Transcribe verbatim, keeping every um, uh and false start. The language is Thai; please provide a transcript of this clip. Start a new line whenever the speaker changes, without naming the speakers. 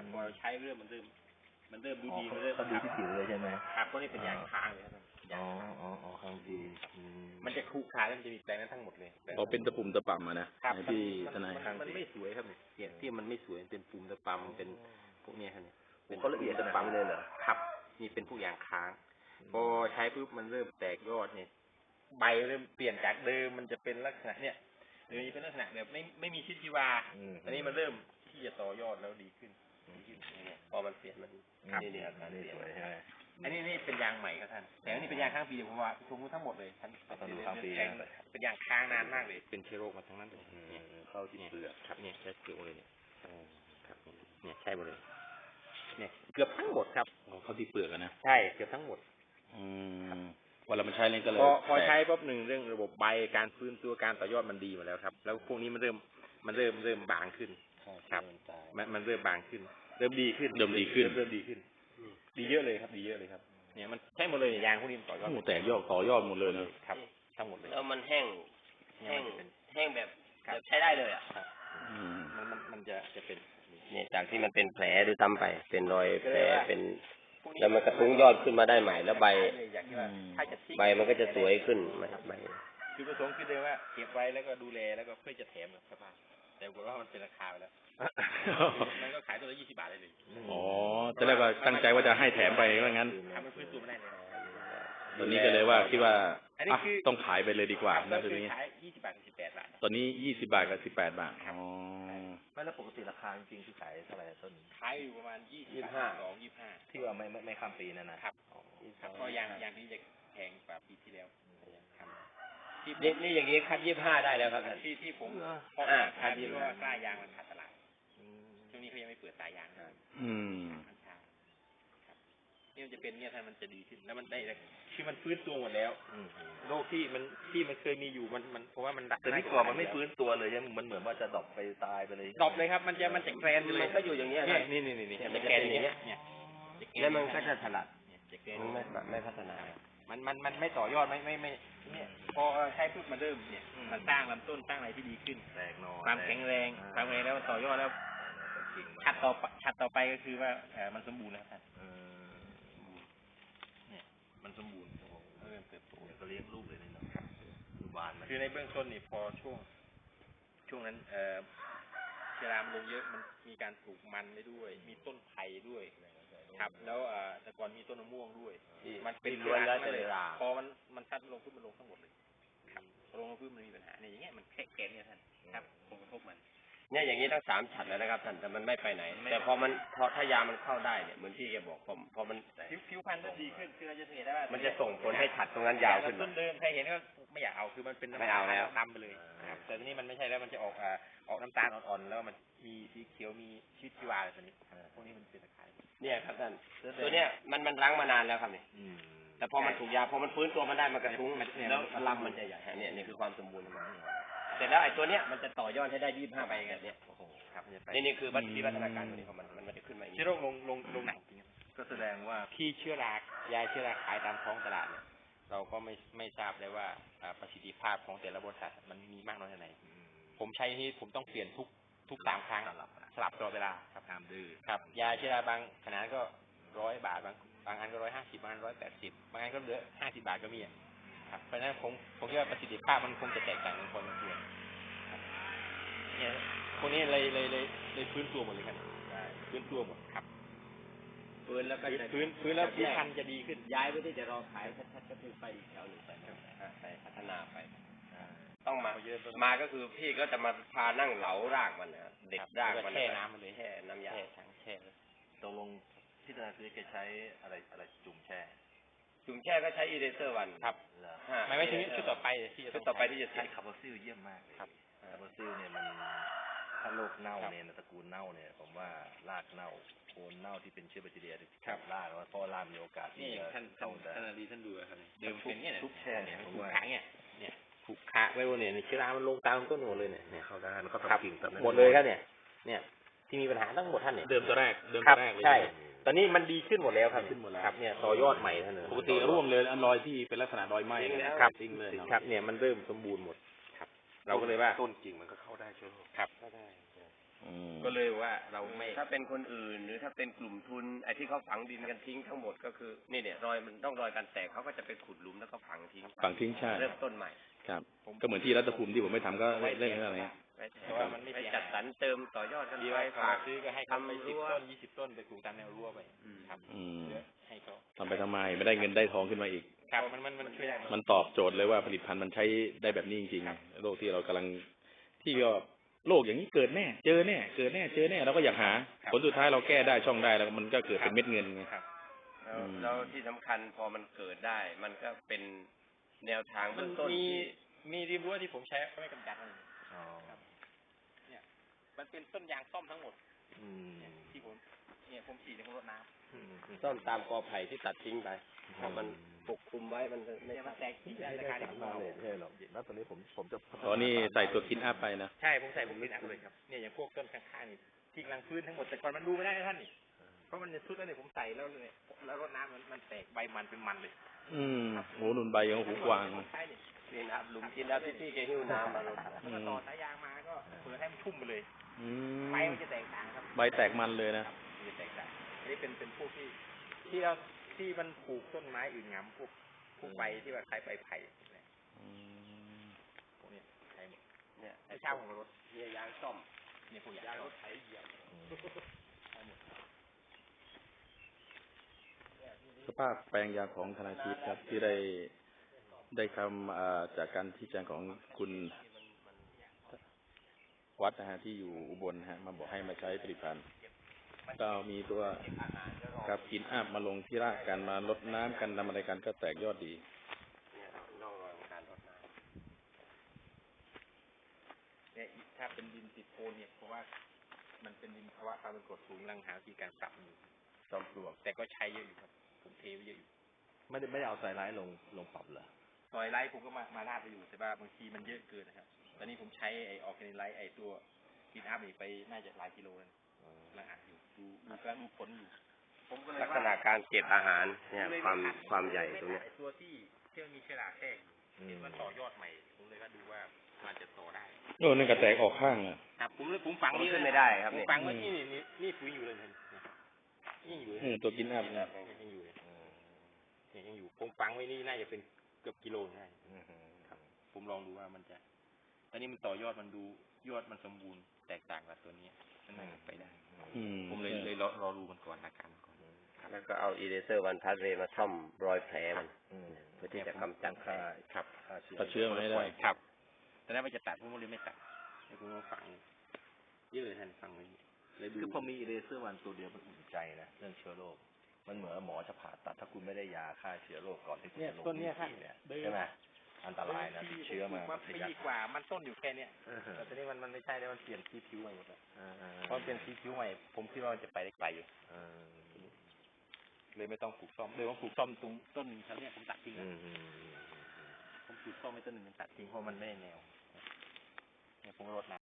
พอใช้เริ่มมันเริ่มมันเริ่มดูดีมันเริ่ม
เขาดูที่ผิวเลยใช่ไหม
ครับเพราะนี่เป็นยางค้างเลยครับ
อ๋ออ๋ออ๋อค้างดี
มันจะคู่ค้าแล้วมันจะมีแปลงนั้นทั้งหมดเลย
พอเป็นตะปุ่มตะป่ำมานะพี่ทนาย
มันไม่สวยครับเนี่ยที่มันไม่สวยเป็นปุ่มตะป่ำเป็นพวกนี้ครับเนี่ย
เป็นเขาละเอียดขนาดนี้เลยเหรอ
ครับนี่เป็นพวกยางค้างพอใช้ปุ๊บมันเริ่มแตกยอดเนี่ยใบเริ่มเปลี่ยนจากเดิมมันจะเป็นลักษณะเนี่ยเดิมเป็นลักษณะแบบไม่ไม่มีชีวิตชีวาอันนี้มันเริ่มที่จะต่อยอดแล้วดีขึ้นเนี่ยพอมันเปลี่ยนมันนี่เนี่ยการเปลี่ยนใช่ไหมอันนี้นี่เป็นยางใหม่ครับท่านแต่อันนี้เป็นยางค้างปีเดียวผมว่าทุกทั้งหมดเลยท่านเป็นค้างปีเป็นยางค้างนานมากเลยเป็นเชื้อโรคมาทั้งนั้นเลย
เข้าที่เปลือก
ครับเนี่ยใช้เกลือเลยเนี่ยครับเนี่ยใช่หมดเลยเนี่ยเกือบทั้งหมดครับ
เขาที่เปลือกนะ
ใช่เกือบทั้งหมด
อืมเวลามันใช้เล่นก็เลย
พอพอใช้ปุ๊บหนึ่งเรื่องระบบใบการฟื้นตัวการต่อยอดมันดีมาแล้วครับแล้วพวกนี้มันเริ่มมันเริ่มเริ่มบางขึ้นครับมันมันเริ่มบางขึ้นเริ่มดีขึ้น
เริ่มดีขึ้น
เริ่มดีขึ้นดีเยอะเลยครับดีเยอะเลยครับเนี่ยมันใช่หมดเลยยางพวกนี้ต่อยอด
แต่ยอดต่อยอดหมดเลยนะครับ
ทั้งหมดเลย
แล้วมันแห้งแห้งแห้งแบบแบบใช้ได้เลยอ่ะ
มันมันมันจะจะเป็น
เนี่ยจากที่มันเป็นแผลหรือทำไปเป็นรอยแผลเป็นแล้วมันกระทุ้งยอดขึ้นมาได้ใหม่แล้วใบใบมันก็จะสวยขึ้นใบ
คือประสงค์คือเดียวว่าเก็บไว้แล้วก็ดูแลแล้วก็เพื่อจะแถมกับชาวบ้านแต่ปรากฏว่ามันเป็นราคาไปแล้วมันก็ขายตัวละยี่สิบบาทได้เลย
อ๋อจะเรียกว่าตั้งใจว่าจะให้แถมไปว่างั้น
ทำให้พื้นตัวไม่ได้เลย
ตอนนี้ก็เลยว่าคิดว่าต้องขายไปเลยดีกว่า
นะตัวนี้ขายยี่สิบบาทกับสิบแปดบาท
ตอนนี้ยี่สิบบาทกับสิบแปดบาทอ๋อ
ไม่แล้วปกติราคาจริงๆที่ขายเท่าไหร่ต้น
ขายอยู่ประมาณยี่สิบห้าสองยี่สิบห้า
ที่ว่าไม่ไม่ไม่ข้ามปีนั่นนะครับ
ครับเพราะยางยางนี้จะแพงกว่าปีที่แล้ว
นี่นี่อย่างนี้คัดยี่สิบห้าได้แล้วครับ
ที่ที่ผมเพราะว่าคัดยี่สิบห้ากล้ายางมันขาดตลาดช่วงนี้เขายังไม่เปิดสายยาง
อืม
นี่มันจะเป็นเนี่ยท่านมันจะดีขึ้นแล้วมันได้คือมันฟื้นตัวหมดแล้วโรคที่มันที่มันเคยมีอยู่มันมันเพราะว่ามันดัก
แต่นี่ก่อนมันไม่ฟื้นตัวเลยใช่ไหมมันเหมือนว่าจะดรอปไปตายไปเลย
ดรอปเลยครับมันจะมันจะแกรนเลย
มันก็อยู่อย่างเงี้ย
นี่นี่นี่นี่จะแกรนอย่างเงี้ยเนี่ย
แล้วมันก็จะถลัดมันไม่ไม่พัฒนา
มันมันมันไม่ต่อยอดไม่ไม่ไม่เนี่ยพอใช้พืชมันเริ่มเนี่ยมันสร้างลำต้นสร้างอะไรที่ดีขึ้น
แตกหน่อ
ความแข็งแรงความแข็งแรงแล้วต่อยอดแล้วชัดต่อชัดต่อไปก็คือว่าเออมันสมบูรณ์แล้วครับเนี่ยมันสมบูรณ์เริ่มเติบโต
ก็เลี้ยงลูกเลยนี่เนาะบาน
คือในเบื้องต้นนี่พอช่วงช่วงนั้นเออเชื้อรามันลงเยอะมันมีการปลูกมันได้ด้วยมีต้นไผ่ด้วยครับแล้วแต่ก่อนมีต้นมะม่วงด้วยมันเป็น
ล้วนแล้วแต่เวลา
พอมันมันซัดลงพื้นมันลงทั้งหมดเลยครับลงพื้นมันมีปัญหาเนี่ยอย่างเงี้ยมันแค่แกนเนี่ยท่านครับผลกระทบมัน
เนี่ยอย่างนี้ทั้งสามฉัดแล้วนะครับท่านแต่มันไม่ไปไหนแต่พอมันพอถ้ายามันเข้าได้เนี่ยเหมือนที่แกบอกพอพอมัน
ผิวพรรณมันดีขึ้นคือเราจะเห็นได้ว่า
มันจะส่งผลให้ฉัดตรงนั้นยาวขึ้น
ต้นเดิมใครเห็นก็ไม่อยากเอาคือมันเป็น
ไม่เอาแล้ว
ดำไปเลยแต่ทีนี้มันไม่ใช่แล้วมันจะออกออกน้ำตาลอ่อนๆแล้วมันมีสีเขียวมีชีวิตชีวาอะไรตัวนี้พวกนี้มันเป็นตะไคร้
เนี่ยครับท่านตัวเนี้ยมันมันรั้งมานานแล้วครับนี่แต่พอมันถูกยาพอมันฟื้นตัวมันได้มันกระทุ้งแล้วลำมันจะใหญ่เนี่ยนี่คือความสมบูรณ์ของมันเสร็จแล้วไอ้ตัวเนี้ยมันจะต่อยอดให้ได้ยี่สิบห้าใบกันเนี่ยโอ้โหครับนี่นี่คือวิวัฒนาการตัวนี้ของมันมันจะขึ้นมา
เชื้อโรคลงลงลงหนักจริง
ก็แสดงว่า
ที่เชื้อรายาเชื้อราขายตามท้องตลาดเนี่ยเราก็ไม่ไม่ทราบเลยว่าประสิทธิภาพของแต่ละบริษัทมันมีมากน้อยแค่ไหนผมใช้ที่ผมต้องเปลี่ยนทุกทุกสามครั้งสลับตลอดเวลาครับ
ตามดื้อ
ครับยาเชื้อราบางขนาดก็ร้อยบาทบางบางอันก็ร้อยห้าสิบบางอันร้อยแปดสิบบางอันก็เหลือห้าสิบบาทก็มีครับเพราะฉะนั้นผมผมคิดว่าประสิทธิภาพมันคงจะแตกต่างกันพอสมควรเนี่ยพวกนี้เลยเลยเลยเลยฟื้นตัวหมดเลยครับฟื้นตัวหมดครับ
ฟื้นแล้วก็
ฟื้นฟื้นแล้วผิวพรรณจะดีขึ้น
ย้ายไปที่จะรอขายชัดๆก็คือไปอีกแถวหนึ่งไปไปพัฒนาไปต้องมามาก็คือพี่ก็จะมาพานั่งเหลารากมันนะเด็ดรากมัน
แช่น้ำมันเลย
แช่น้ำยา
ทั้งแช่
ตกลงที่ธนาคารแกใช้อะไรอะไรจุ่มแช่
จุ่มแช่ก็ใช้อีเดเซอร์วัน
ครับไม่ไม่ถึงชุดต่อไปที่
ชุดต่อไปที่จะ
ใช้คาร์บอนซิลเยี่ยมมาก
ครับ
คาร์บอนซิลเนี่ยมันถ้าโรคเน่าเนี่ยตระกูลเน่าเนี่ยผมว่ารากเน่าโคนเน่าที่เป็นเชื้อแบคทีเรียครับรากเพราะรากมีโอกาส
ที่จะ
เข้า
ท่านดีท่านดูครับเดิมเป็นเนี่ย
ทุกแช่เนี่ย
ถูกขาเนี่ยเนี่ยถูกขาไว้บนเนี่ยเชื้อรามันลงตามต้นหมดเลยเนี่ย
เข้าได้มันก็ทำกิ่ง
หมดเลยครับเนี่ยเนี่ยที่มีปัญหาทั้งหมดท่านเนี่ย
เดิมตัวแรกเดิมตัวแรกเลย
ใช่ตอนนี้มันดีขึ้นหมดแล้วครับครับเนี่ยต่อยอดใหม่ท่านเลย
ปกติร่วมเลยอันรอยที่เป็นลักษณะรอยไหม้
ครับจริงเลยครับเนี่ยมันเริ่มสมบูรณ์หมดครับเราก็เลยว่า
ต้นจริงมันก็เข้าได้ใช่ไหม
ครับ
ก็ได้
อืม
ก็เลยว่าเราไม่
ถ้าเป็นคนอื่นหรือถ้าเป็นกลุ่มทุนไอ้ที่เขาฝังดินกันทิ้งทั้งหมดก็คือนี่เนี่ยรอยมันต้องรอยการแตกเขาก็จะไปขุดหลุมแล้วก็ฝังทิ้ง
ฝังทิ้งใช่
เริ่มต้นใหม่
ครับ ก็เหมือนที่รัฐภูมิที่ผมไม่ทำก็เล่นอะไรเงี้ย
เพราะว่ามันไม่
ไป
เสีย
จัดสรรเติมต่อยอดกัน
ดี
ไป
ว่าเขา
ฝาก
ซื้อก็ให้เขาไป
ทำ
สิบ
รั้ว
ต้นยี่สิบต้นไปปลูกตามแนวรั้วไปครับ
อืม
ให้เขา
ทำไปทำไมไม่ได้เงินได้ทองขึ้นมาอีก
ครับมันมันมันช่วยได้
มันตอบโจทย์เลยว่าผลิตภัณฑ์มันใช้ได้แบบนี้จริงๆโลกที่เรากำลังที่ก็โลกอย่างนี้เกิดแน่ เจอแน่ เกิดแน่ เจอแน่เราก็อยากหา ผลสุดท้ายเราแก้ได้ช่องได้แล้วมันก็เกิดเป็นเม็ดเงินไง
ครับ
แล้ว
อืม
แล้วที่สำคัญพอมันเกิดได้ มันก็เป็นแนวทาง
มั
เบื้
น
องต้น
มี
ที่
มีริมรั้วที่ผมใช้ก็ไม่กำจัดมัน
อ๋อ
เนี่ยมันเป็นต้นยางซ่อมทั้งหมด
อืม
ที่ผมเนี่ยผมฉีดในรถน้ำ
อืม
ต้นตามกอไผ่ที่ตัดทิ้งไปถ้ามันปกคลุมไว้มันจะไม่
เนี่ยมันแตกทิ้งได้
ไม่
รา
ได้
คา
สา
ที่
รมาเลยใช่หรอกแล้วตอนนี้ผมผมจะพัฒ
ตอนนี้ใส่ตัวคินอัพไปนะ
ใช่ผมใส่ผมลิ้นอัพเลยครับเนี่ยอย่างพวกต้นข้างๆนี่ที่กำลังฟื้นทั้งหมดแต่ก่อนมันดูไม่ได้นะท่านนี่เพราะมันจะชุดแล้วเนี่ยผมใส่แล้วเนี่ยแล้วรดน้ำมันมันแตกใบมันเป็นมันเลย
อืมโหนุนใบยังหูกวาง
ใช่นี่
นี่นะครับหลุมกินแล้วที่พี่แกหิ้วน้ำมาลง
อื
แล้วก็
ม
ต่อสายยางมาก็เปิดให้มันชุ่มไปเลย
อืม
ใบมันจะแตกต่างครับ
ใบแตกมันเลยนะ
มันจะแตกต่างอันนี้เป็นเป็นพวกที่ที่เราที่มันปลูกต้นไม้อื่นงำพวกพวกใบที่ว่าคล้ายใบไผ่เนี่ย
อืม
พวกเนี้ยใช้หมด
เนี่ย
ไอ้เช่าของรถ
เนี่ยยางซ่อม
เนี่ยพวกยางรถไถเหยียบ
สภาพแปลงยางของธนาคิดครับ ที่ได้ได้คำอ่าจากการที่แจ้งของคุณวัดนะฮะที่อยู่อุบลนะฮะมาบอกให้มาใช้ผลิตภัณฑ์ก็มีตัวครับกินอัพมาลงที่รากกันมาลดน้ำกันทำอะไรกันก็แตกยอดดี
เนี่ยร่องรอยของการรดน้
เนี่ยถ้าเป็นดินติดโคนเนี่ยเพราะว่ามันเป็นดินภาวะความเป็นกรดสูงรังหาวิธีการปรับอยู่
ำจอมปลวก
แต่ก็ใช้เยอะอยู่ครับผมเทไว้เยอะอยู่
ไม่ได้ไม่ได้เอาใส่ร้ายลงลงปรับเหรอ
ซอยไลท์ผมก็มามาลาดไปอยู่แต่ว่าบางทีมันเยอะเกินนะครับตอนนี้ผมใช้ไอออร์แกนิไลท์ไอตัวกินอัพนี่ไปน่าจะหลายกิโลแล้วกำลังอ่านอยู่ดูดูกำลังดูผลอยู่ผมก็เลย
ลักษณะการเก็บอาหารเนี่ยความความใหญ่ตรงเนี้ย
ไอ้ตัวที่ที่มันมีเชื้อราแทรกอยู่
อืม
เห็นมันต่อยอดใหม่ผมเลยก็ดูว่ามันจะต่อได้
โอ้นั่นก็แตกออกข้างอ่ะ
ครับผมเลยผมฝัง
ผม
นี่
ขึ้นไม่ได้ครับ
ผม
เนี่ย
ฝังไว้นี่นี่นี่ปุ๋ยอยู่เลยเห็นนี่ยังอยู่เลย
อืมตัวกินอัพ
ยัง
นะ
อยู่เลยเนี่ยยังอยู่ผมฝังไว้นี่น่าจะเป็นเกือบกิโลได้
อืม
ครับผมลองดูว่ามันจะ ตอนนี้มันต่อยอดมันดูยอดมันสมบูรณ์แตกต่างกับตัวนี้มันน่าจะไปได้
อืม
ผมเลยเลยรอรอดูมันก่อนอาการมันก่อน
แล้วก็เอาอีเดเซอร์วันพัสเรย์มาซ่อมรอยแผลมัน
อืม
เพื่อที่จะกำจัดแผล
ครับ
ฆ่าเชื้อ
ตัดเชื้อมาให้ได้
ครับแต่นั้นมันจะตัดผมก็เลยไม่ตัดเดี๋ยวผมมาฝังเยอะเลยท่านฝังไว้เลยดู
คือพอมีเลเซอร์วันตัวเดียวมันอุ่นใจนะเรื่องเชื้อโรคมันเหมือนหมอจะผ่าตัดถ้าคุณไม่ได้ยาฆ่าเชื้อโรคก่อนที่คุณ
เนี่ย
จะลง
ต้นเนี้ยครับ
พื้ที่เนี่ยใช่ไหมอันตรายนะติดเชื้อมา
มันปีกว่า มันต้นอยู่แค่เนี้ย
เออ
แต่ตอนนี้มันมันไม่ใช่แล้วมันเปลี่ยนสีผิวใหม่หมดแล้ว
เออเออ
เพราะมันเป็นสีผิวใหม่ ผมคิดว่ามันจะไปได้ไกลอยู่
เออ
เลยไม่ต้องปลูกซ่อมเลยว่าปลูกซ่อมตรงต้นแถวเนี้ยผมตัดทิ้ง
อื
แล้ว
มอืมอืมอืม
ผมปลูกซ่อมไม่ต้นหนึ่งผมตัดทิ้งเพราะมันไม่ได้แนวเนี่ยผมรดน้ำ